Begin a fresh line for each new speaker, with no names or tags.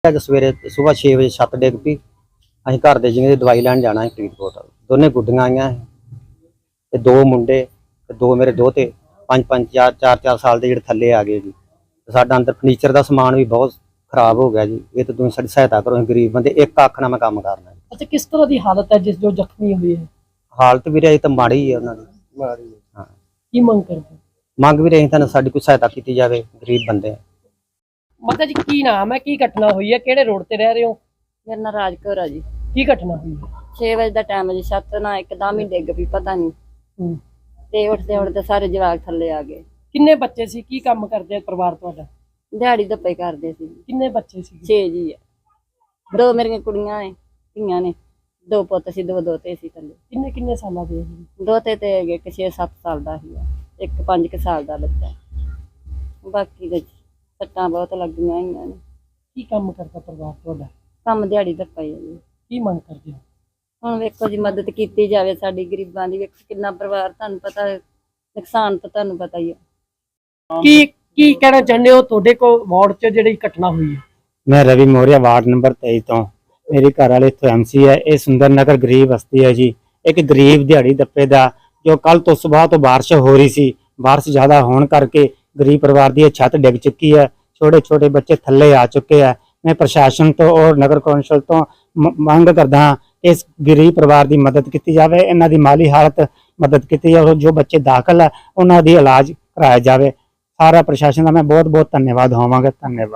ਅੱਜ ਸਵੇਰੇ ਸੁਬਾਹ 6 ਵਜੇ ਛੱਤ ਡਿੱਗ ਪਈ। ਅਸੀਂ ਘਰ ਦੇ ਜਿਵੇਂ ਦਵਾਈ ਲੈਣ ਜਾਣਾ ਸੀ ਫਰੀਦਕੋਟ। ਦੋਨੇ ਗੁੱਡੀਆਂ ਆਈਆਂ ਤੇ ਦੋ ਮੁੰਡੇ ਤੇ ਦੋ ਮੇਰੇ ਦੋਤੇ 5-5 4-4 ਸਾਲ ਦੇ ਜਿਹੜੇ ਥੱਲੇ ਆ ਗਏ ਜੀ। ਸਾਡਾ ਅੰਦਰ ਫਰਨੀਚਰ ਦਾ ਸਮਾਨ ਵੀ ਬਹੁਤ ਖਰਾਬ ਹੋ ਗਿਆ ਜੀ। ਇਹ ਤਾਂ ਤੁਸੀਂ ਸਾਡੀ ਸਹਾਇਤਾ ਕਰੋ, ਗਰੀਬ ਬੰਦੇ, ਇੱਕ ਅੱਖ ਨਾਲ ਮੈਂ ਕੰਮ ਕਰਨਾ।
अच्छा, किस तरह की हालत है जिस जो जख्मी हुई है?
ਹਾਲਤ ਵੀ ਰਹੀ ਤਾਂ ਮਾੜੀ ਹੀ ਹੈ ਉਹਨਾਂ ਦੀ। ਹਾਂ,
की मंग करते?
ਮੰਗ ਵੀ ਰਹੀ ਤਾਂ ਸਾਡੀ ਕੋਈ ਸਹਾਇਤਾ ਕੀਤੀ ਜਾਵੇ, ਗਰੀਬ ਬੰਦੇ।
माता जी की नाम है, की घटना हुई है, केड़े रोड ते रह रहे हो?
मेरा नाम राज कौर है जी।
की घटना हुई है?
6 ਵਜੇ ਦਾ ਟਾਈਮ ਹੈ ਜੀ। ਛੱਤ ਨਾ ਇੱਕਦਮ ਹੀ ਡਿੱਗ ਪਈ, ਪਤਾ ਨਹੀਂ ਤੇ ਉੱਠਦੇ ਉੱਠਦੇ ਸਾਰੇ ਜਵਾਕ ਥੱਲੇ ਆ ਗਏ।
किन्ने बच्चे सी, की काम करते हैं परिवार तुहाडा?
ਦਿਹਾੜੀ ਧੱਪੇ ਕਰਦੇ ਸੀ।
किन्ने बच्चे सी?
6 ਜੀ ਹੈ। ਦੋ ਮੇਰੀਆਂ ਕੁੜੀਆਂ ਨੇ, ਧੀਆਂ ਨੇ, ਦੋ ਪੁੱਤ ਸੀ, ਦੋ ਦੋਤੇ ਸੀ ਥੱਲੇ।
किन्ने किन्ने साल दे?
ਦੋਤੇ ਤੇ ਹੈਗੇ ਇੱਕ 6-7 ਸਾਲ ਦਾ ਸੀ, ਇੱਕ 5 ਸਾਲ ਦਾ ਬੱਚਾ। ਬਾਕੀ ਦੇ ਸੱਟਾਂ ਬਹੁਤ ਲੱਗੀਆਂ ਹੋਈਆਂ ਨੇ।
की काम करता परिवार तुहाडा?
ਕੰਮ ਦਿਹਾੜੀ ਧੱਪਾ ਹੀ ਹੈ ਜੀ।
की मंग करते हो?
ਹੁਣ ਵੇਖੋ ਜੀ, ਮਦਦ ਕੀਤੀ ਜਾਵੇ ਸਾਡੀ ਗਰੀਬਾਂ ਦੀ। ਵੇਖੋ ਕਿੰਨਾ ਪਰਿਵਾਰ, ਤੁਹਾਨੂੰ ਪਤਾ ਨੁਕਸਾਨ ਤਾਂ ਤੁਹਾਨੂੰ ਪਤਾ ਹੀ ਹੈ।
की कहना चाहते हो ਤੁਹਾਡੇ ਕੋ ਵਾਰਡ 'ਚ ਜਿਹੜੀ ਘਟਨਾ ਹੋਈ ਹੈ?
मैं रवि मौर्य वार्ड नंबर 23 तो। मेरी घर वाले इत्थों MC है। ये सुंदर नगर गरीब बस्ती है जी। एक गरीब दिहाड़ी दप्पे दा जो कल तो सुबह तो बारिश हो रही सी, बारिश ज़्यादा होने करके गरीब परिवार की छत डिग चुकी है। छोटे छोटे बच्चे थल्ले आ चुके हैं। मैं प्रशासन तो और नगर कौंसल तो मंग करदा हाँ इस गरीब परिवार की मदद की जाए, इन्हां दी माली हालत मदद की जाए। जो बच्चे दाखिल है उन्हां दी इलाज कराया जाए। सारा प्रशासन का मैं बहुत बहुत धन्यवाद होवांगा। धन्यवाद।